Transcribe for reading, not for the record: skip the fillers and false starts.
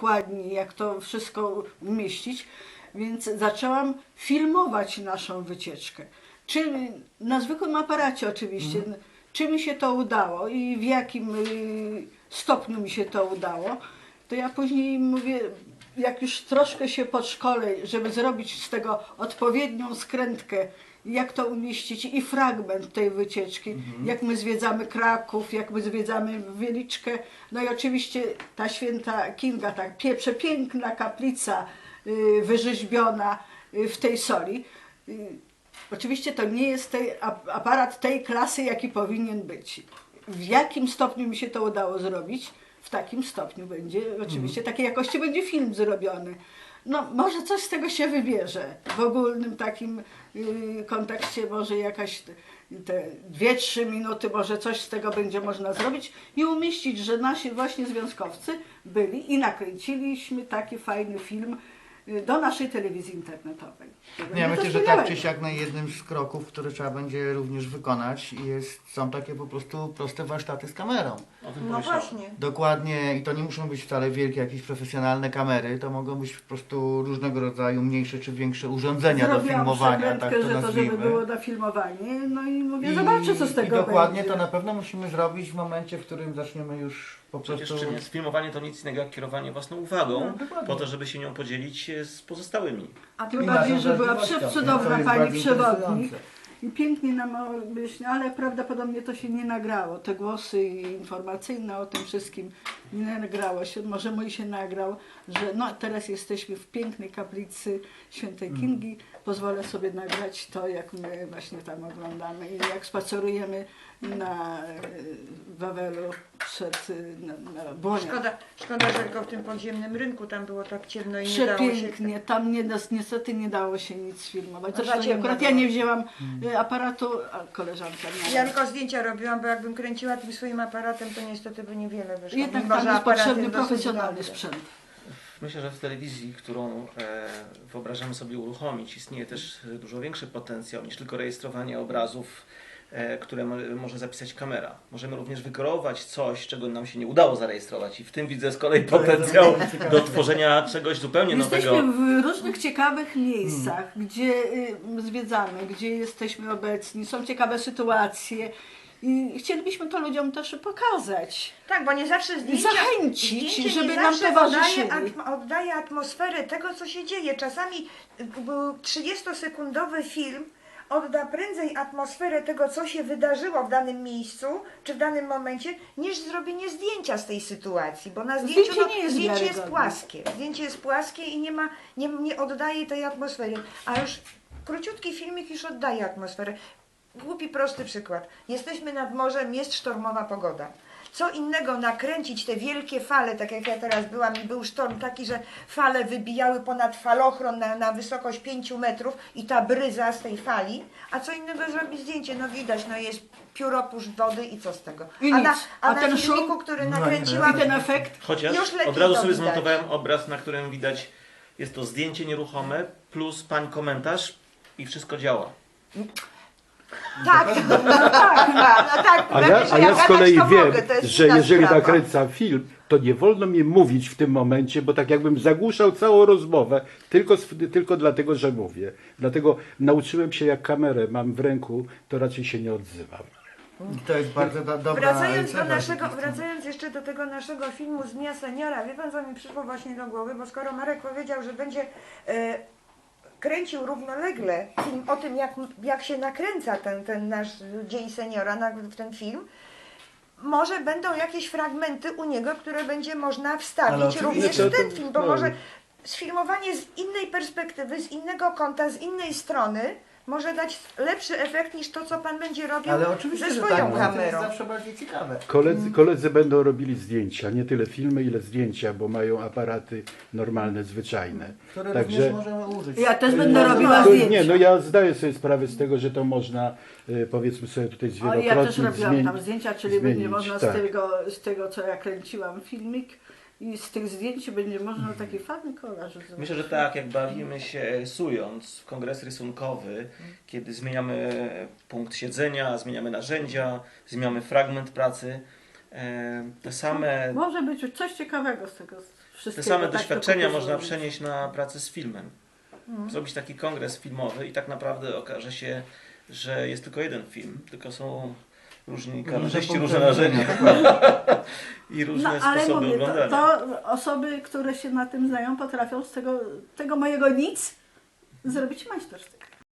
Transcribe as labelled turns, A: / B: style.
A: dokładnie, jak to wszystko umieścić, więc zaczęłam filmować naszą wycieczkę. Czy na zwykłym aparacie oczywiście, czy mi się to udało i w jakim stopniu mi się to udało, to ja później mówię, jak już troszkę się podszkolę, żeby zrobić z tego odpowiednią skrętkę, jak to umieścić i fragment tej wycieczki, jak my zwiedzamy Kraków, jak my zwiedzamy Wieliczkę, no i oczywiście ta święta Kinga, ta przepiękna kaplica wyrzeźbiona w tej soli. Oczywiście to nie jest aparat tej klasy, jaki powinien być. W jakim stopniu mi się to udało zrobić, w takim stopniu będzie, oczywiście takiej jakości będzie film zrobiony. No może coś z tego się wybierze. W ogólnym takim kontekście może jakaś te 2-3 minuty, może coś z tego będzie można zrobić i umieścić, że nasi właśnie związkowcy byli i nakręciliśmy taki fajny film do naszej telewizji internetowej.
B: Ja myślę, że tak czy siak na jednym z kroków, które trzeba będzie również wykonać, są takie po prostu proste warsztaty z kamerą.
C: No właśnie.
B: Dokładnie, i to nie muszą być wcale wielkie, jakieś profesjonalne kamery, to mogą być po prostu różnego rodzaju mniejsze czy większe urządzenia do filmowania, tak to
A: że to,
B: nazwijmy.
A: żeby było na filmowanie, no i mówię, zobaczę co z tego
B: I dokładnie
A: będzie.
B: to na pewno musimy zrobić w momencie, w którym zaczniemy już po prostu...
D: Przecież czym jest filmowanie, to nic innego jak kierowanie własną uwagą,
B: No, dokładnie.
D: po to, żeby się nią podzielić z pozostałymi.
A: A tym bardziej, że była przecudowna pani
B: bardzo
A: przewodnik
B: interesujące.
A: i pięknie nam objaśniła, ale prawdopodobnie to się nie nagrało. Te głosy informacyjne o tym wszystkim nie nagrało się. Może mój się nagrał, że no teraz jesteśmy w pięknej kaplicy Świętej Kingi. Pozwolę sobie nagrać to, jak my właśnie tam oglądamy i jak spacerujemy na Wawelu na Błonie.
C: Szkoda, że tylko w tym podziemnym rynku tam było tak ciemno i nie dało się...
A: Przepięknie, tam niestety nie dało się nic filmować.
C: No, za
A: Zresztą
C: ciemno
A: akurat ja
C: było.
A: nie wzięłam aparatu, a koleżanka miała.
C: Ja tylko zdjęcia robiłam, bo jakbym kręciła tym swoim aparatem, to niestety by niewiele wyszło.
A: Jednak
C: Mimo,
A: tam
C: że
A: jest
C: aparat
A: potrzebny
C: jest dosyć
A: profesjonalny
C: dobry.
A: sprzęt.
D: Myślę, że w telewizji, którą wyobrażamy sobie uruchomić, istnieje też dużo większy potencjał niż tylko rejestrowanie obrazów, które może zapisać kamera. Możemy również wykreować coś, czego nam się nie udało zarejestrować i w tym widzę z kolei potencjał do tworzenia czegoś zupełnie
A: Jesteśmy
D: nowego.
A: w różnych ciekawych miejscach, gdzie zwiedzamy, gdzie jesteśmy obecni, są ciekawe sytuacje i chcielibyśmy to ludziom też pokazać.
C: Tak, bo nie zawsze zdjęcie,
A: Zachęcić, żeby
C: nie
A: nam
C: zawsze
A: towarzyszyli.
C: oddaje atmosferę tego, co się dzieje. Czasami 30-sekundowy film odda prędzej atmosferę tego, co się wydarzyło w danym miejscu, czy w danym momencie, niż zrobienie zdjęcia z tej sytuacji, bo na zdjęciu
A: Zdjęcie nie jest
C: zdjęcie jest
A: wiarygodne.
C: płaskie. Zdjęcie jest płaskie i nie oddaje tej atmosfery. A już króciutki filmik już oddaje atmosferę. Głupi, prosty przykład. Jesteśmy nad morzem, jest sztormowa pogoda. Co innego nakręcić te wielkie fale, tak jak ja teraz byłam i był sztorm taki, że fale wybijały ponad falochron na wysokość 5 metrów i ta bryza z tej fali, a co innego zrobić zdjęcie, no widać, no jest pióropusz wody i co z tego.
A: I
C: A
A: nic.
C: na
A: A ten
C: filmiku,
A: szum?
C: który
B: No
C: nakręciłam,
A: I ten efekt?
D: Chociaż
C: już lepiej
D: od razu
C: to
D: sobie
C: widać.
D: zmontowałem obraz, na którym widać, jest to zdjęcie nieruchome plus pań komentarz i wszystko działa.
C: tak, no tak,
E: A ja z kolei
C: to
E: wiem,
C: mogę, to jest
E: że
C: inna
E: jeżeli
C: sprawa.
E: nakręcam film, to nie wolno mi mówić w tym momencie, bo tak jakbym zagłuszał całą rozmowę, tylko dlatego, że mówię. Dlatego nauczyłem się, jak kamerę mam w ręku, to raczej się nie odzywam.
B: I to jest bardzo dobra
C: Wracając jeszcze do tego naszego filmu z Dnia Seniora, wie pan, co mi przyszło właśnie do głowy, bo skoro Marek powiedział, że będzie kręcił równolegle film o tym, jak się nakręca ten nasz Dzień Seniora, ten film, może będą jakieś fragmenty u niego, które będzie można
B: Ale
C: wstawić
B: oczywiście
C: również
E: to-
C: w ten film, bo
E: no.
C: może sfilmowanie z innej perspektywy, z innego kąta, z innej strony może dać lepszy efekt niż to, co pan będzie robił
B: Ale oczywiście,
C: ze
B: że
C: swoją
B: tak, bo to jest
C: kamerą.
B: zawsze bardziej ciekawe.
E: Koledzy będą robili zdjęcia, nie tyle filmy, ile zdjęcia, bo mają aparaty normalne, zwyczajne.
B: Które
E: Także-
B: również możemy użyć.
A: Ja też będę robiła
E: To,
A: zdjęcia.
E: nie, no ja zdaję sobie sprawę z tego, że to można, powiedzmy sobie tutaj
A: O,
E: zwielokrotnie
A: ja też robiłam tam zdjęcia, czyli będzie
E: zmienić,
A: można
E: tak.
A: z tego, co ja kręciłam filmik i z tych zdjęć będzie można taki fajny kolaż zrobić.
D: Myślę, że tak, jak bawimy się rysując w kongres rysunkowy, kiedy zmieniamy punkt siedzenia, zmieniamy narzędzia, zmieniamy fragment pracy, Te same,
A: Może być coś ciekawego z tego wszystkiego.
D: te same
A: tak to
D: doświadczenia
A: kupię,
D: można
A: że-
D: przenieść na pracę z filmem. Zrobić taki kongres filmowy i tak naprawdę okaże się, że jest tylko jeden film, tylko są różni kamerzyści, różne narzędzia i różne
A: ale
D: sposoby
A: mówię,
D: oglądania.
A: to osoby, które się na tym znają, potrafią z tego mojego nic zrobić majstersztyk.